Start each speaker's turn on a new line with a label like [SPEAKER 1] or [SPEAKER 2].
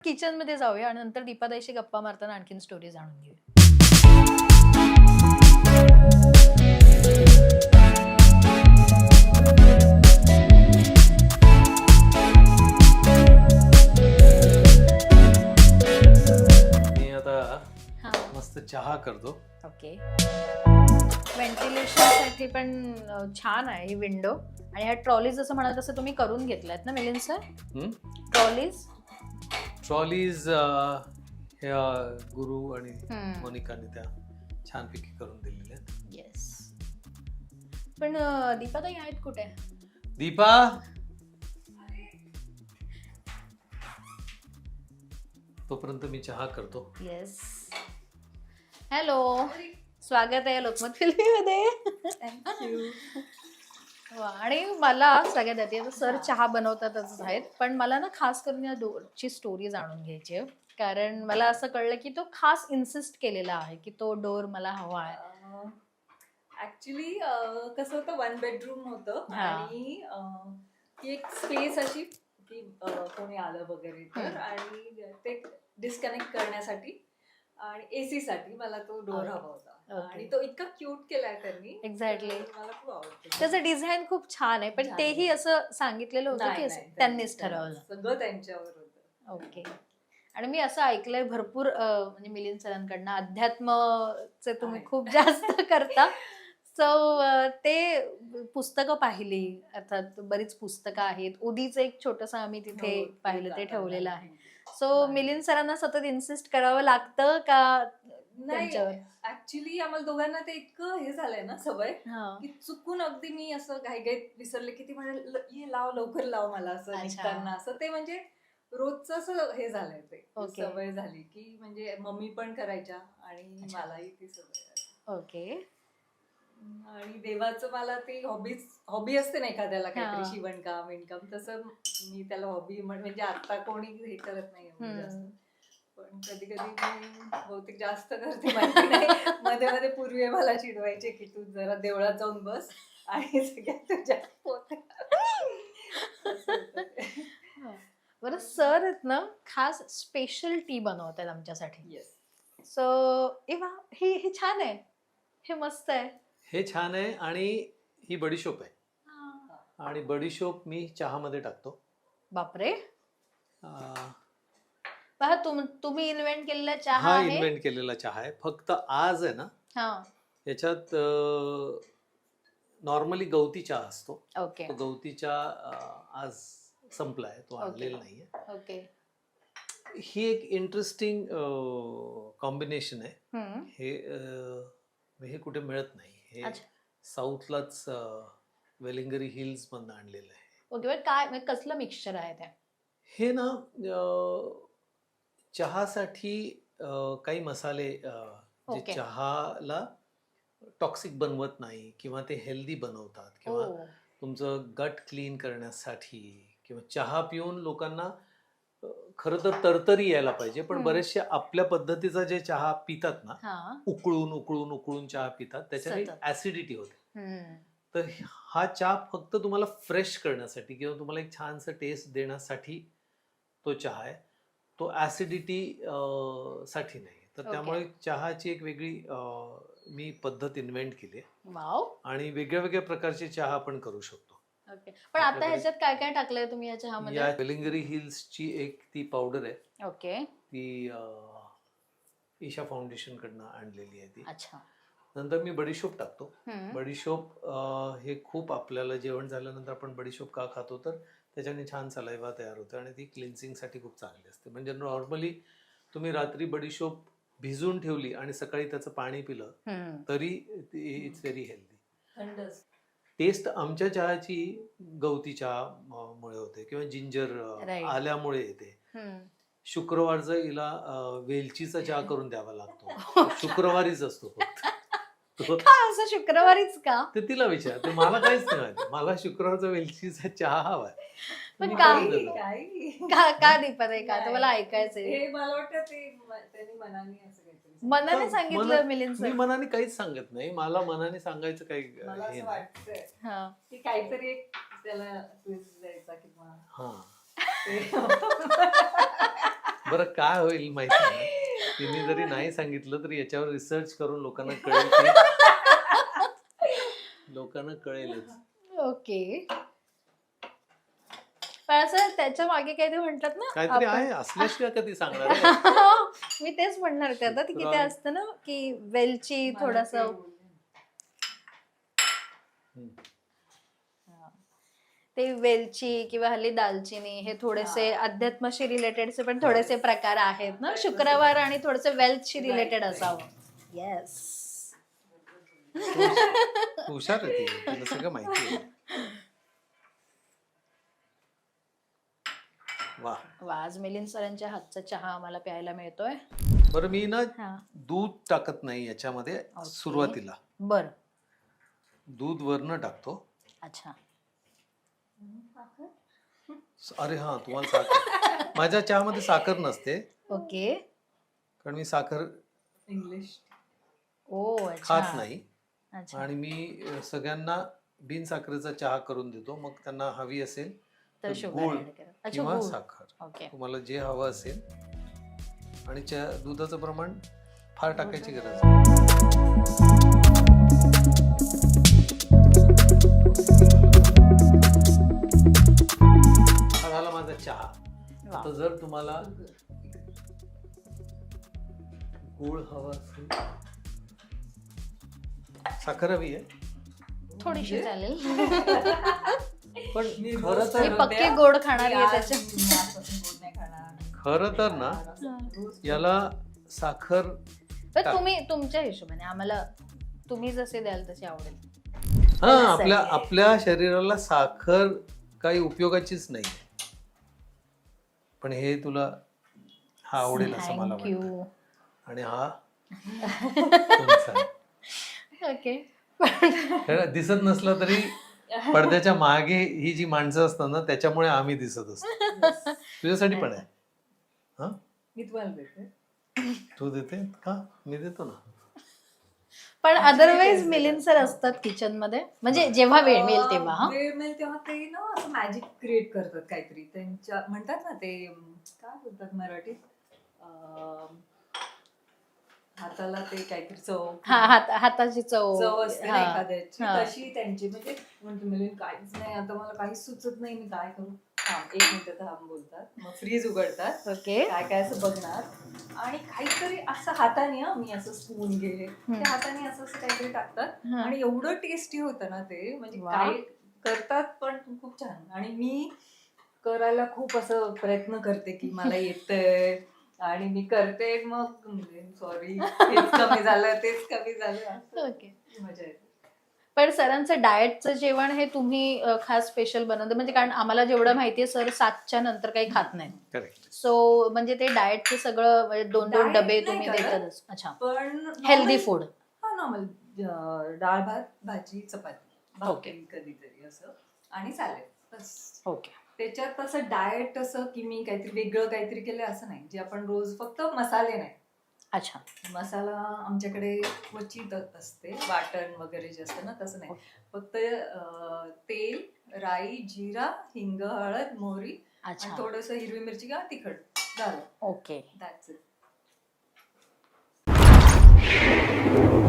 [SPEAKER 1] Kitchen मध्ये जाऊया आणि नंतर दीपाताईशी गप्पा मारताना आणखीन स्टोरी जाणून घेऊया.
[SPEAKER 2] मी आता
[SPEAKER 1] हा,
[SPEAKER 2] मस्त चहा करतो.
[SPEAKER 1] ओके. व्हेंटिलेशन साठी पण छान आहे ही विंडो. आणि ह्या ट्रॉलीज जसं म्हणाल तसं तुम्ही करून घेतल्यात ना मिलिंद सर? ट्रॉलीज
[SPEAKER 2] ट्रॉलीज ह्या गुरु आणि मोनिकाने त्या छानपैकी करून दिलेल्या आहेत.
[SPEAKER 1] येस. पण दीपाताई आहेत कुठे?
[SPEAKER 2] दीपा, तोपर्यंत मी चहा करतो.
[SPEAKER 1] येस. हॅलो, स्वागत आहे लोकमत फिल्मीमध्ये. आणि मला सगळ्यात आधी आता सर चहा बनवतातच आहेत, पण मला ना खास करून या डोरची स्टोरी जाणून घ्यायची आहे. कारण मला असं कळलं की तो खास इन्सिस्ट केलेला आहे की तो डोर मला हवा आहे.
[SPEAKER 3] ऍक्च्युली कसं होतं, 1 बेडरूम होतं आणि ती एक स्पेस अशी की कोणी आलं वगैरे तर, आणि ते डिस्कनेक्ट करण्यासाठी आणि एसी साठी मला तो डोर हवा होता. आणि तो इतका क्यूट केलाय त्यांनी.
[SPEAKER 1] एक्झॅक्टली.
[SPEAKER 3] मला खूप आवडतो.
[SPEAKER 1] त्याचं डिझाईन खूप छान आहे, पण तेही असं सांगितलेलं होतं की त्यांनीच ठरवलं.
[SPEAKER 3] सगळं त्यांच्यावर होतं.
[SPEAKER 1] ओके. आणि मी असं ऐकलंय भरपूर म्हणजे मिलिंद सरांकडनं अध्यात्मचे तुम्ही खूप जास्त करता. सो ते पुस्तकं पाहिली, अर्थात बरीच पुस्तकं आहेत. उदीचं एक छोटंसं आम्ही तिथे पाहिलं, ते ठेवलेलं आहे. सो मिलिंद सरांना सतत इन्सिस्ट करावं लागतं का त्यांच्यावर?
[SPEAKER 3] ऍक्च्युली आम्हाला दोघांना ते इतकं हे झालंय ना सवय की चुकून अगदी मी असं घाईघाईत विसरले की ती म्हणाल ये लाव, लवकर लाव मला असं निघताना. असं ते म्हणजे रोजचं असं हे झालंय, ते सवय झाली की म्हणजे मम्मी पण करायच्या आणि मलाही ती सवय.
[SPEAKER 1] ओके.
[SPEAKER 3] आणि देवाचं मला ती हॉबी असते ना एखाद्याला, काहीतरी शिवणकाम विणकाम, तसं मी त्याला हॉबी म्हणजे आता कोणी हे करत नाही जास्त, पण कधी कधी मी बहुतेक जास्त करते, माहिती नाही. मध्ये मध्ये पूर्वी मला चिडवायचे की तू जरा देवळात जाऊन बस आणि सगळ्यात तुझ्या
[SPEAKER 1] बरं, सर आहेत ना खास स्पेशल टी बनवतात आमच्यासाठी.
[SPEAKER 3] येस.
[SPEAKER 1] सो हे छान आहे, हे मस्त आहे.
[SPEAKER 2] हे छान आहे. आणि ही बडीशोप आहे, आणि बडीशोप मी चहामध्ये टाकतो.
[SPEAKER 1] बापरे. पहा, तुम्ही इन्व्हेंट केलेला चहा
[SPEAKER 2] हा
[SPEAKER 1] आहे.
[SPEAKER 2] इन्व्हेंट केलेला चहा आहे. फक्त आज आहे ना याच्यात नॉर्मली गवती चहा असतो.
[SPEAKER 1] ओके.
[SPEAKER 2] तो गवती चहा आज संपलाय, तो आणलेला नाहीये.
[SPEAKER 1] ओके.
[SPEAKER 2] ही एक इंटरेस्टिंग कॉम्बिनेशन आहे. हे कुठे मिळत नाही. हे साऊथलाच वेलिंगरी हिल्स मधून आणलेलं आहे.
[SPEAKER 1] ओके. पण काय कसलं मिक्सचर आहे ते?
[SPEAKER 2] हे ना चहासाठी काही मसाले जे चहाला टॉक्सिक बनवत नाही किंवा ते हेल्दी बनवतात, किंवा तुमचं गट क्लीन करण्यासाठी, किंवा चहा पिऊन लोकांना खरं तर तरतरी यायला पाहिजे, पण बरेचसे आपल्या पद्धतीचा जे चहा पितात ना, उकळून उकळून उकळून चहा पितात, त्याच्याने ऍसिडिटी होते. तर हा चहा फक्त तुम्हाला फ्रेश करण्यासाठी किंवा तुम्हाला एक छानसं टेस्ट देण्यासाठी तो चहा आहे, तो ऍसिडिटी साठी नाही. तर त्यामुळे चहाची एक वेगळी मी पद्धत इन्व्हेंट केली आणि वेगळ्या वेगळ्या प्रकारचे चहा आपण करू शकतो.
[SPEAKER 1] पण आता ह्याच्यात काय काय टाकलंय तुम्ही या चहामध्ये?
[SPEAKER 2] या वेलिंगरी हिल्सची एक ती पावडर आहे.
[SPEAKER 1] ओके.
[SPEAKER 2] ती ईशा फाउंडेशन कडनं आणलेली आहे ती.
[SPEAKER 1] अच्छा.
[SPEAKER 2] नंतर मी बडीशोप टाकतो. बडीशोप हे खूप आपल्याला जेवण झाल्यानंतर आपण बडीशोप का खातो, तर त्याच्याने छान सलाइवा तयार होते आणि ती क्लिन्सिंग साठी खूप चांगली असते. म्हणजे नॉर्मली तुम्ही रात्री बडीशोप भिजून ठेवली आणि सकाळी त्याचं पाणी पिलं तरी इट्स व्हेरी हेल्दी. टेस्ट आमच्या चहाची गवती चहा मुळे होते किंवा जिंजर आल्यामुळे येते. शुक्रवारचं हिला वेलचीचा चहा करून द्यावा लागतो. शुक्रवारीच असतो फक्त.
[SPEAKER 1] असं शुक्रवारीच का?
[SPEAKER 2] ते तिला विचार, ते मला काहीच नाही माहिती. मला शुक्रवारचा वेलचीचा चहा हवाय.
[SPEAKER 1] पण का दीपात आहे का तुम्हाला ऐकायचंय?
[SPEAKER 3] मला वाटतं ते त्यांनी
[SPEAKER 1] मनाने सांगितलं मिलिंद सर.
[SPEAKER 2] मी मनाने काहीच सांगत नाही. मला मनाने सांगायचं काही
[SPEAKER 3] मला असं वाटतंय की काहीतरी एक त्याला ट्विस्ट द्यायचा किंवा
[SPEAKER 2] बरं काय होईल माहिती आहे? तिने जरी नाही सांगितलं तरी याच्यावर रिसर्च करून लोकांना कळेल की लोकांना कळेलच.
[SPEAKER 1] ओके. पण असं त्याच्या मागे काही ते म्हणतात ना
[SPEAKER 2] काहीतरी
[SPEAKER 1] आपण-
[SPEAKER 2] आहे असल्याशिवाय कधी सांगणार आहे?
[SPEAKER 1] मी तेच म्हणणार होते आता की ते
[SPEAKER 2] तुला-
[SPEAKER 1] असतं ना की वेलची
[SPEAKER 3] मला
[SPEAKER 1] थोडस
[SPEAKER 3] ते बोलले.
[SPEAKER 1] ते वेलची किंवा हल्ली दालचिनी हे थोडेसे अध्यात्माशी रिलेटेडचे पण थोडेसे प्रकार आहेत ना. शुक्रवार आणि थोडेसे वेल्थशी रिलेटेड असावं. येस.
[SPEAKER 2] हुशार आहे ती, तिला सगळं माहिती आहे. वा.
[SPEAKER 1] आज मिलिंद सरांच्या हातचा चहा आम्हाला प्यायला मिळतोय.
[SPEAKER 2] बरं मी ना
[SPEAKER 1] हा.
[SPEAKER 2] दूध टाकत नाही याच्यामध्ये सुरुवातीला.
[SPEAKER 1] बर.
[SPEAKER 2] दूध वरनं टाकतो.
[SPEAKER 1] अच्छा.
[SPEAKER 2] अरे हा तुम्हाला साखर माझ्या चहामध्ये साखर नसते
[SPEAKER 1] ओके.
[SPEAKER 2] कारण मी साखर
[SPEAKER 3] इंग्लिश
[SPEAKER 1] ओ अच्छा.
[SPEAKER 2] खात नाही.
[SPEAKER 1] अच्छा.
[SPEAKER 2] आणि मी सगळ्यांना बिन साखरेचा चहा करून देतो. मग त्यांना हवी असेल
[SPEAKER 1] तर
[SPEAKER 2] तर
[SPEAKER 1] शुगर
[SPEAKER 2] गूळ
[SPEAKER 1] ऍड करा. अच्छा
[SPEAKER 2] किंवा
[SPEAKER 1] गूळ.
[SPEAKER 2] साखर
[SPEAKER 1] ओके.
[SPEAKER 2] तुम्हाला जे हवं असेल. आणि दुधाचं प्रमाण फार टाकायची गरज नाही. हा झाला माझा चहा.
[SPEAKER 1] वा.
[SPEAKER 2] आता जर तुम्हाला गूळ हवा असेल, साखर हवी आहे
[SPEAKER 1] थोडीशी चालेल.
[SPEAKER 2] पण
[SPEAKER 3] मी
[SPEAKER 2] खरं
[SPEAKER 3] रोज
[SPEAKER 2] तर
[SPEAKER 1] मी पक्के गोड खाणारी आहे त्याच्या.
[SPEAKER 2] खरं तर ना याला साखर
[SPEAKER 1] पण तुम्ही तुमच्या हिशोबाने आम्हाला तुम्ही जसे द्याल तसे आवडेल.
[SPEAKER 2] हा
[SPEAKER 1] असं
[SPEAKER 2] आपल्या
[SPEAKER 1] आहे.
[SPEAKER 2] आपल्या शरीराला साखर काही उपयोगाचीच नाही. पण हे तुला हा आवडेल असं मला
[SPEAKER 1] थँक्यू.
[SPEAKER 2] वाटतं. आणि हा तुमचा आहे.
[SPEAKER 1] ओके.
[SPEAKER 2] खरं दिसत नसलं तरी पडद्याच्या मागे ही जी माणसं असतात ना त्याच्यामुळे आम्ही दिसत असतो. तुझ्यासाठी पण आहे. हा
[SPEAKER 3] मी तुम्हाला देते.
[SPEAKER 2] तू देते का? मी देतो ना.
[SPEAKER 1] पण अदरवाईज मिलिंद सर असतात किचन मध्ये म्हणजे जेव्हा वेळ मिळेल तेव्हा. हा?
[SPEAKER 3] वेळ मिळेल तेव्हा ते ना असं मॅजिक क्रिएट करतात काहीतरी. त्यांच्या म्हणतात ना ते काय बोलतात मराठीत, हाताला ते काहीतरी चव
[SPEAKER 1] हा हाताची चव.
[SPEAKER 3] चव असते ना
[SPEAKER 1] हा.
[SPEAKER 3] एखाद्याची,
[SPEAKER 1] हा.
[SPEAKER 3] तशी त्यांची. म्हणजे म्हणते मिलिंद काहीच नाही आता, मला काहीच सुचत नाही, मी काय करू. थांब 1 मिनिट थांब बोलतात. मग फ्रीज उघडतात,
[SPEAKER 1] ओके.
[SPEAKER 3] काय काय असं बघणार आणि काहीतरी असं हाताने, मी असं स्पून घे त्या हाताने असं असं काहीतरी टाकतात
[SPEAKER 1] हा.
[SPEAKER 3] आणि एवढं टेस्टी होतं ना ते. म्हणजे
[SPEAKER 1] वा.
[SPEAKER 3] काय करतात पण खूप छान. आणि मी करायला खूप असं प्रयत्न करते की मला येतंय आणि मी करते. मग सॉरी हेच कमी झालं तेच कमी झालं असं
[SPEAKER 1] ओके.
[SPEAKER 3] मजा येते.
[SPEAKER 1] पण सरांचं डाएटचं जेवण हे तुम्ही खास स्पेशल बनवतं म्हणजे कारण आम्हाला जेवढं माहितीये सर 7च्या नंतर काही खात नाहीत.
[SPEAKER 2] करेक्ट.
[SPEAKER 1] सो म्हणजे ते डाएटचं सगळं म्हणजे 2-2
[SPEAKER 3] Diet
[SPEAKER 1] डबे
[SPEAKER 3] नाही
[SPEAKER 1] तुम्ही
[SPEAKER 3] करत.
[SPEAKER 1] देतातच. अच्छा.
[SPEAKER 3] पण
[SPEAKER 1] हेल्दी फूड.
[SPEAKER 3] हा नॉर्मल डाळ भात भाजी चपाती
[SPEAKER 1] ओके.
[SPEAKER 3] भाकरी कधीतरी असं आणि सॅलेड बस.
[SPEAKER 1] ओके.
[SPEAKER 3] त्याच्यात असं डाएट असं की मी काहीतरी वेगळं काहीतरी केलं असं नाही. जे आपण रोज फक्त मसाले नाही.
[SPEAKER 1] अच्छा.
[SPEAKER 3] मसाला आमच्याकडे क्वचित असते, वाटण वगैरे जे असतं ना तसं नाही. फक्त तेल, राई, जिरा, हिंग, हळद, मोहरी आणि
[SPEAKER 1] अच्छा.
[SPEAKER 3] थोडंसं हिरवी मिरची किंवा तिखट झालं.
[SPEAKER 1] ओके.
[SPEAKER 3] That's it.